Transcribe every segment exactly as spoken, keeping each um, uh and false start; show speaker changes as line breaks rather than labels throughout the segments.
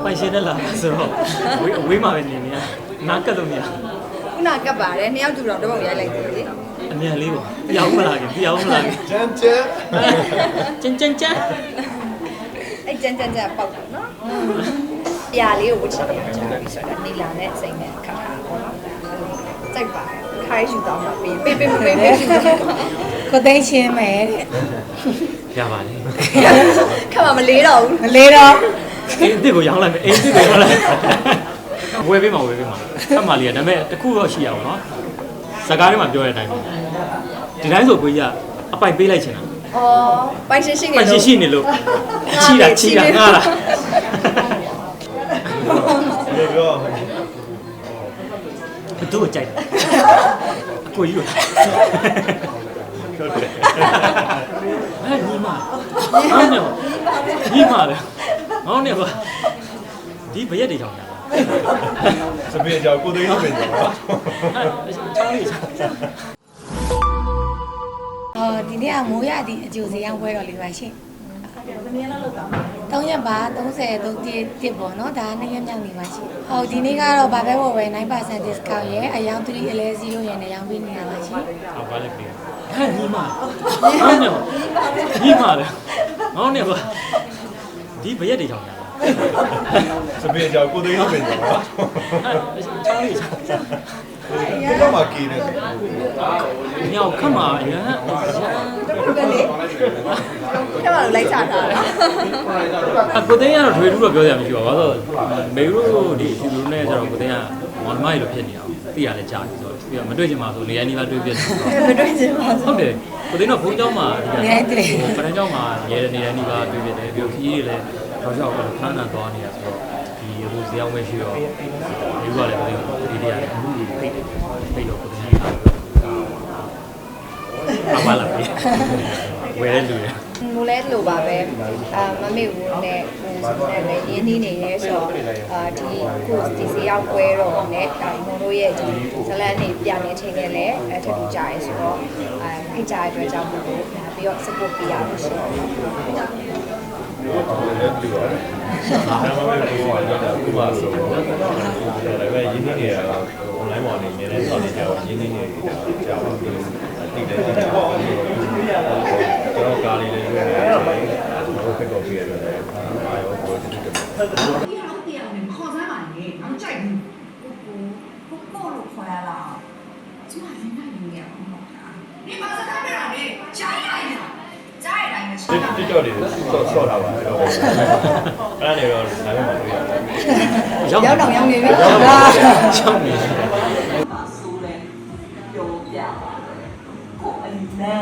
ပိုင်ရှင်နဲ့လာဆိုတော့ဝေးဝေးမှာပဲနေနေရနားကတ်လို့မရ
ခုနကပ်ပါတယ်နှစ်ယောက်တူတော့တပုံရိုက်လိုက်တယ်လေ
အမြန်လေးပေါ့ပြောင်းမလာခင်ပြောင်းမလာခင်
ကျန်းကျန်း
ကျန်းကျန်းကျန်း
အဲ့ကြမ်းကြမ်းကြမ်းပေါက်တယ်နော်ပြာလေးကိုဝတ်ချင်တယ်ကြာပြီဆိုတာနေလာနဲ့စိတ်နဲ့ခါခါပေါ့နော်စိုက်ပါတယ်ခိုင်းယူတော့မှာပေးပေးပေးပေးပေးယူတော့
ကိုသိန်းရှင်းမယ်တဲ့
ရပါလေ
ခက်မှမလေးတော့ဘူး
မလေးတော့
အေးအစ်စ်ကိုရောင်းလိုက်မယ်အေးအစ်စ်ကိုရောင်းလိုက်ဝယ်ပေးမှာဝယ်ပေးမှာအမှလေးကဒါပေမဲ့တခုတော့ရှိရအောင်နော်စကားထဲမှာပြောတဲ့အတိုင်းပဲဒီတိုင်းဆိုကိုကြီးကအပိုက်ပေးလိုက်ချင်တာ
อ๋อပိုင်ရှင်ရှိနေ
ပိုင်
လို့
ရှင်ရှိနေလို့ချီတာချီတာငါလား
ဒီကော
ဘသူ့ကိုကြိုက်အကိုကြီးကို
ဟုတ်တယ်
အဲ့ညီမအားနေညီမလေဟောနေပါဒီဘရက်တွေကြောင်ညာ
စပင်းကြောင်ကိုသိန်းစပင်းကြောင်
ချောင်းလေးချောင်း
အော်ဒီနေ့ကမိုးရသည့်အကျိုးစီရောက်ပွဲတော်လေးပါရှင်ဘယ်နည်းလောက်လောက်တာ၃ရက်ပါ၃၀ ၃ပေါ့နော်ဒါနှစ်ရက်မြောက်နေပါရှင်ဟုတ်ဒီနေ့ကတော့ဘာပဲဝယ်ဝယ်nine percent discount ရဲ့အယောင်3 11ရဲ့နဲ့ရောင်းပေးနေတာပါရှင်
ဟောပါလေပြီအဲ့ညီမအားနေညီမလေဟောနေပါဒီဘရက်တွေကြောင်ညာ
စပင်းကြောင်ကိုသိန်းစပင်းကြောင်
ချောင်းလေးချောင်း
ဒီတော့မှကီးနေတယ်
ညောင်ခတ်မှာအရန်
ပဲလေခက်မှလို့လိုက်ချတာ
အကိုသိန်းကတော့ထွေထူးတော့ပြောရမှာမရှိပါဘူးဘာလို့မေရုတို့ဒီအတူတူနဲ့ကျတော့ကိုသိန်းကမော်နမိုက်လိုဖြစ်နေအောင်သိရလဲကြားပြီဆိုတော့ပြီးတော့မတွေ့ချင်ပါဆိုနေရာနေပါတွေ့ပြတယ်
မတွေ့ချင်ပါဘူး
ဟုတ်တယ်ကိုသိန်းတော့ဘုန်းเจ้าမှာဒီက
နေတယ်
ပထမเจ้าမှာရဲနေရာနေပါတွေ့ပြတယ်ပြီးတော့ခီးတွေလည်းတော့ကြောက်တော့ဖမ်းတာသွားနေတာဆိုတော့ဒီဟိုဇေယောင်းပဲရှိတော့ဒီကလည်းဒီတရားလည်းအခုဖိတ်ဖိတ်တော့ကိုသိန်းကအမလာပြီဝယ်လူရ
မူလဲလို့ပါပဲအာမမေဘူးနဲ့ဟိုဆိုနေလည်းရင်းနှီးနေရဲဆိုတော့အာဒီကိုဒီစီရောက်ပွဲတော့နဲ့ဒါမုံတို့ရဲ့ဒီဇလန်နေပြန်နေချိန်နဲ့လည်းအထူးကြရဲဆိုတော့အာဖိတ်ကြတဲ့အတွက်ကြောင့်မို့လို့ပြီးတော့ support ပေးရလို့ရှိတယ်
လည်းပြီးတော့ဒါမှမဟုတ်ဘူးကတော့အခုမှဆိုတော့လည်းပဲရင်းနှီးနေတာ online ပေါ်နေနေတယ်ဆောက်နေကြတော့ရင်းနှီးနေတာကြာပါပြီတိတယ်တိတယ်ကျွန်တော်ကားလေးလေးရွေးနေတယ်ဘိုးဖက်တော့ပြရတယ်အာရောကိုတိတယ်
ဒီဟာတရားနဲ့ခေါ်စားပါနဲ့။အောင်ကြိုက်ဘူး။ကိုကိုကိုလို့ခေါ်ရလား။ကျမလည်းနိုင်နေရအောင်ပါ။ဒီမှာစကားပြောတာလေကြားရရင်ကြားရတိုင်းနဲ့ရှင်းတာ
TikTok တွေဆော့ဆော့ထားပါအဲ့ဒါနေတော့ဒါမှမတွေ့ရဘူး
ရောက်
ရောက်တော့ရောက်နေပြီ
ရောက်ရောက်နေ
ပါဆိုးတယ်ပြောပြကိုအနံ့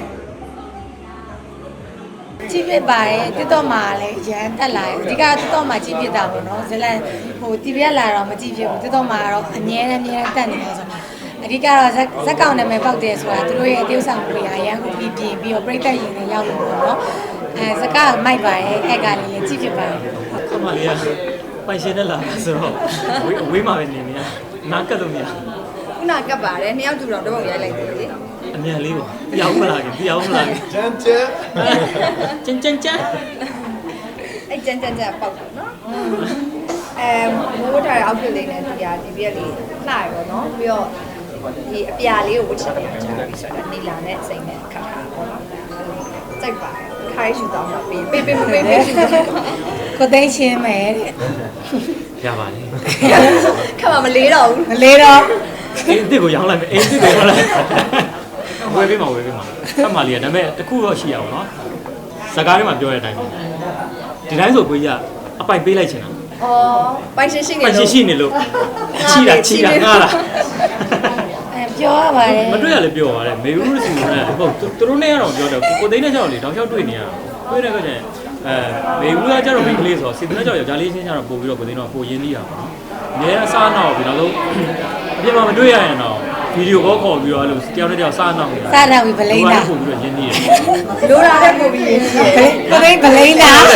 ကြည့်ပြပါတယ်တစ်တော့မှာလည်းရန်တက်လာတယ်အဓိကတစ်တော့မှာကြည့်ပြတာပေါ့နော်ဇလန်ဟိုတီဗီကလာတော့မကြည့်ဖြစ်ဘူးတစ်တော့မှာတော့အငြင်းအမြဲတက်နေတယ်ဆိုတော့အဓိကတော့ဇက်ဇက်ကောင်နာမည်ပေါက်တယ်ဆိုတာသူတို့ရဲ့အtiêuဆောင်တွေအရန်ကိုပြီးပြင်ပြီးတော့ပြိတ္တရင်နဲ့ရောက်လို့ပေါ့နော်အဲဇက်ကမိုက်ပါတယ်အဲ့ကလေးလည်းကြည့်ဖြစ်ပါတယ်
ခမလေးကပိုင်ရှင်နဲ့လာဆိုတော့ဝေးဝေးမှာပဲနေနေရနားကတ်လို့မရ
ခုနကပ်ပါတယ်နှစ်ယောက်တူတော့တပုံရိုက်လိုက်တယ်လေ
အမြန်လေးပေါ့ပြောင်းမလာခင်ပြောင်းမလာခင်
ကျန်းကျန်း
ကျန်းကျန်းကျန်း
အဲ့ကြမ်းကြမ်းကြမ်းပေါက်တယ်နော်အဲမိုးထားတဲ့ outfit လေးနဲ့ဒီဟာဒီပြက်လေးလှရပေါ့နော်ပြီးတော့ဒီအပြာလေးကိုဝတ်ချင်တယ်ကြာပြီဆိုတာနေလာနဲ့စိတ်နဲ့ခါခါပေါ့နော်စိုက်ပါတယ်ခိုင်းယူတော့မှာပေးပေးပေးပေးပေးယူတော့
ကိုသိန်းရှင်းမယ်တဲ့
ရပါလေ
ခက်မှမလေးတော့ဘူး
မလေးတော့
အေးအစ်စ်ကိုရောင်းလိုက်မယ်အေးအစ်စ်ကိုရောင်းလိုက်ဝယ်ပေးမှာဝယ်ပေးမှာခမလေးကဒါပေမဲ့တခုတော့ရှိရအောင်နော်စကားထဲမှာပြောတဲ့အတိုင်းပဲဒီတိုင်းဆိုကိုကြီးကအပိုက်ပေးလိုက်ချင်တာ
อ๋อပိုင်ရှင်ရှိနေ
ပိုင်
လို့
ရှင်ရှိနေလို့ချီတာချီတာငါလား
အဲပြောရပါတယ်
မတွေ့ရလဲပြောပါတယ်မေဘူးစီကလည်းဟုတ်သူတို့နဲ့ကတော့ပြောတယ်ကိုသိန်းနဲ့ကြောက်လေတောက်လျှောက်တွေ့နေရတွေ့တဲ့အခါကျရင်အဲမေဘူးကကြတော့မိန်းကလေးဆိုတော့စီသူနဲ့ကြောက်ယောက်ျားလေးချင်းကျတော့ပို့ပြီးတော့ကိုသိန်းတော့ပိုရင်းနှီးရပါတော့အများအစားနောက်ပြီးတော့လုံးအပြင်မှာမတွေ့ရရင်တော့ဗီဒီယိုကောခေါ်ပြီးတော့အဲ့လိုတယောက်နဲ့တယောက်စားနောက်နေတာ
စားတော့ဗလိန်တာ
ပို့ပြီးတော့ရင်းနှီးရ
လိုတာတဲ့ပုံပြီးရင်းနေတယ်
ကိုသိန်းဗလိန်တာ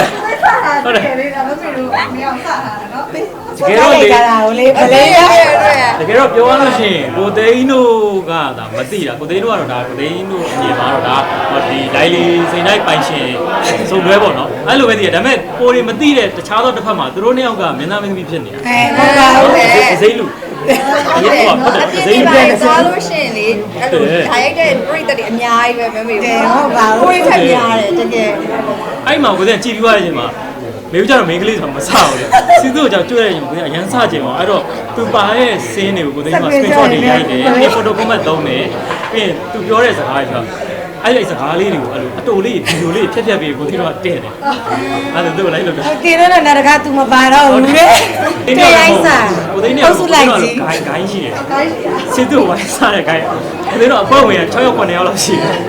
ဟုတ်တယ်လေဒါမမေတို့မရောက်စတာနော်
တကယ်တော့လေ
ကြတာကိုလေမလေးရ
တကယ်တော့ပြောရလို့ရှိရင်ကိုသိန်းတို့ကဒါမသိတာကိုသိန်းတို့ကတော့ဒါကိုသိန်းတို့အမြင်မှာတော့ဒါဟောဒီလိုက်လီစိန်တိုင်းပိုင်ရှင်စုံတွဲပေါ့နော်အဲ့လိုပဲသိရဒါပေမဲ့ကိုတွေမသိတဲ့တခြားသောတစ်ဖက်မှာသူတို့နှစ်ယောက်ကမင်းသားမင်းသမီးဖြစ်နေတာ
အဲဟုတ်ပါဘူးလေ
စိတ်လူရေပေါ့ဟုတ်တယ်
အပြ
စိ
င်း
တ်
ပြ
လူ
န်သွားလို့ရှိရင်လေအဲ့လိုဓာတ်ရိုက်တဲ့ပြိတ္တတွေအများကြီးပဲမမေတို့ဟုတ်ပါဘူးကိုယ်ထက်များတယ်တကယ်
အဲ့မှာကိုသိကြည်ပြီးသွားတဲ့အချိန်မှာမေဘူးကျတော့မိန်းကလေးဆိုတော့မဆဘူးလေစီသူ့ကြောင့်တွေ့ရရင်ကိုသိအရန်ဆကြင်ပါအဲ့တော့သူပါရဲ့စင်းတွေကိုကိုသိမှာ screenshot တွေရိုက်တယ်ပြီး photo format သုံးတယ်ပြီးရင်သူပြောတဲ့စကားတွေဆိုအဲ့ဒီစကားလေးတွေကိုအဲ့လိုအတူလေးဗီဒီယိုလေးဖြတ်ဖြတ်ပြီးကိုသိတော့တည့်တယ်အဲ့ဒါသူ့ကိုလိုက်လို့တယ်
တင်တော့နာတကား तू မပါတော့ဘူးလေတဲ့ရိုက်စား
ကိုသိနေ
ဟုတ်စုလိုက်ကြည့်
ဂိုင်းဂိုင်းရှိတယ်စီသူ့ဝိုင်းစားတဲ့ဂိုင်းအဲ့ဒါတော့အပေါ်ဝင်6ရောက်9ရောက်လောက်ရှိတယ်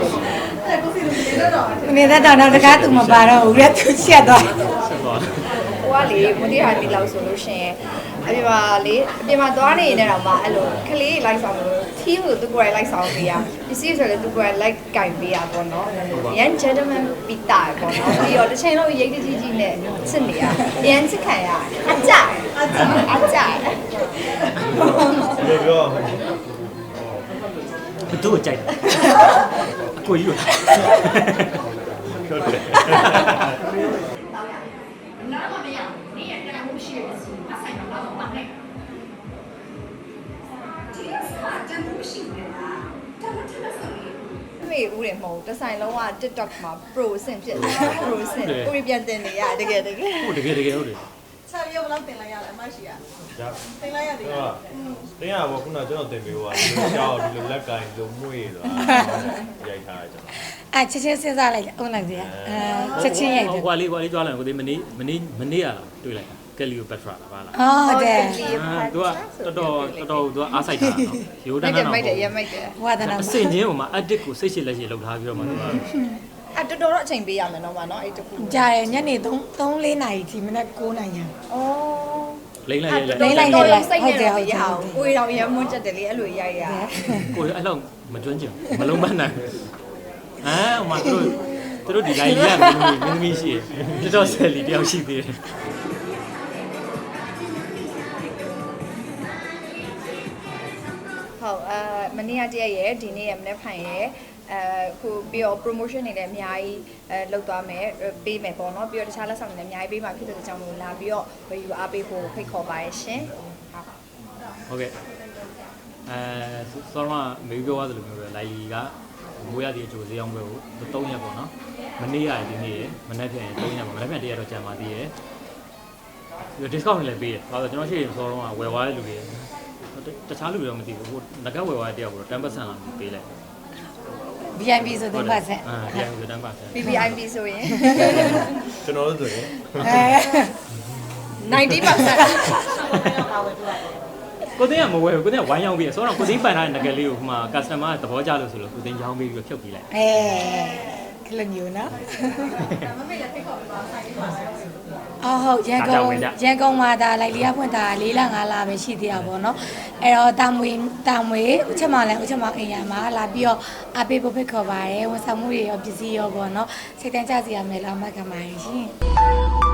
နေတဲ့တော့နာတကား तू မပါတော့ဘူးလေ तू ချက်သွား
ဆက်သွား
ဟိုကလေမတိဟာဒီလောက်ဆိုလို့ရှိရင်အပြင်မှာလေအပြင်မှာသွားနေနေတော့မှအဲ့လိုကလေးလိုက်ဆောင်လို့ထီးကိုသူကိုယ်လိုက်ဆောင်ပေးရပစ္စည်းဆိုလည်းသူကိုယ်လိုက်ကင်ပေးရပေါ့နော်ရန် gentleman ပီတာပေါ့နော်ပြီးတော့တစ်ချိန်လုံးရိတ်တကြီးကြီးနဲ့စစ်နေရရန်စစ်ခံရအကြအကြအကြ
ဒီပြော
ဘသူ့ကိုကြိုက်တယ်အကိုကြီးလို့
ဟုတ်တယ်
哪个没有？你也在呼吸，他才能把我放内。天差真不行的啦，咱们这个手艺。
မေဦးတယ်မဟုတ်တစ်ဆိုင်လုံးက TikTok မှာ pro ဆင့်ဖြစ်တယ် pro ဆင့်ကိုရီပြန်တင်နေရတကယ်တကယ်
ဟုတ်တကယ်တကယ်ဟုတ်တယ်
ဆက်ပြီးဘယ်လောက်တင်လိုက်ရလဲအမရှိရ
ဒါ
တင်လိုက်ရတယ်
တော့တင်းရပါခုနကျွန်တော်တင်ပေးသွားတယ်ကြောက်ဒီလိုလက်ကင်လိုမွေးသွားရိုက်ထားတယ်ကျွန်တော်
အဲချက်ချင်းစဉ်းစားလိုက်အုံးလိုက်စရာအဲချက်ချင်းရိုက်တယ်
ဟိုကွာလေးကွာလေးကြွားလာကိုသိမနေ့မနေ့မနေ့ရတွေ့လိုက်ကယ်လီယိုပက်ထရာလားပါလား
ဟုတ်တယ်
သူကတော်တော်တော်တော်သူကအားစိုက်တာနော်ရိုးတ
မို
န်း
က်
တ
တယ်
န်း
မိုက်တယ်ရ
တော့
မိုက်တယ်
ဝါဒနာ
အစင်ချင်းဟိုမှာ edit ကိုစိတ်ရှိလက်ရှိလောက်ထားပြီးတော့မှသူက
အဲ့တော်တော်တော့အချိန်ပေးရမယ်နော်မနော်အဲ့တခု
ကြာတယ်ညနေ3 3 4နာရီဒီမနက်9နာရီ
ဩ
လိမ့်လိုက်လိမ့်
လိ
လိုက်
မ့်လိုက်လိုက်စိတ်နဲ့တော့မရအောင်ကိုယ်တော်ရမွန်းချက်တယ်လေအဲ့လိုရိုက်ရ
ကိုအဲ့လောက်မကျွမ်းကျင်မလုံးမနိုင်အာဟိုမှာသူတို့သူတို့ဒီ line ကြီးကမင်းသမီးရှိတယ်တော်တော်ဆယ်လီတယောက်ရှိသေးတယ်
ဟုတ်အဲမနေ့ကတည်းရဲ့ဒီနေ့ရမနေ့ဖိုင်ရဲ့အဲခုပြီးတော့ promotion တွေလည်းအများကြီးအဲလုပ်သွားမယ်ပေးမယ်ပေါ့နော်ပြီးတော့တခြားလက်ဆောင်တွေလည်းအများကြီးပေးမှာဖြစ်တဲ့အကြောင်းကိုလာပြီးတော့ဝယ်ယူအားပေးဖို့ဖိတ်ခေါ်ပါရရှင်ဟုတ်
ဟုတ်ကဲ့အဲဆောရမမေပြောသွားသလိုမျိုးပဲလိုက်လီကမိုးရသည်အကျိုးဈေးအောင်ပွဲကို၃ရက်ပေါ့နော်မနေ့ရတယ်ဒီနေ့ရမနေ့ပြန်ရင်၃ရက်ပါမနေ့ပြန်တရက်တော့ကြာပါသေးတယ်ပြီးတော့ discount တွေလည်းပေးတယ်ဘာလို့ကျွန်တော်ရှိရင်ဆောရမဝယ်သွားတဲ့လူတွေတခြားလူတွေတော့မသိဘူးဟိုငကဝယ်သွားတဲ့တယောက်ကိုတော့10%လောက်ပေးလိုက်
ဗီ အိုင် ပီ ဆိုတင်ပါဆက်
အာပြန်ပြီး10%ပေး
ဗီ ဗီ အိုင် ပီ ဆိုရင်
ကျွန်တော်တို့ဆိုရင်
အဲ
ninety percent
ကိုသိန်းကမဝယ်ဘူးကိုသိန်းကဝိုင်းရောက်ပြီးဆိုတော့ကိုသိန်းပန်ထားတဲ့ငကလေးကိုဟိုမှာ customer ကသဘောကျလို့ဆိုလို့ကိုသိန်းချောင်းပေးပြီးဖြုတ်ပေးလိုက်
အဲကလမျိုးနော်
မမေလည်းဖိတ်ခေါ်ပြီးပါဆိုင်ပြီးပါဆိုင်
အော်ဟုတ်ရန်ကုန်ရန်ကုန်မှာဒါလိုက်လီယာဖွင့်တာ၄လ၅လပဲရှိသေးတာပေါ့နော်အဲ့တော့တာမွေတာမွေဥချက်မလည်းဥချက်မအိမ်ရမှာလာပြီးတော့အပေးဖို့ဖိတ်ခေါ်ပါတယ်ဝန်ဆောင်မှုတွေရောပစ္စည်းရောပေါ့နော်စိတ်တန်းကြစီရမယ်လားမှတ်ခံပါရင်ရှင်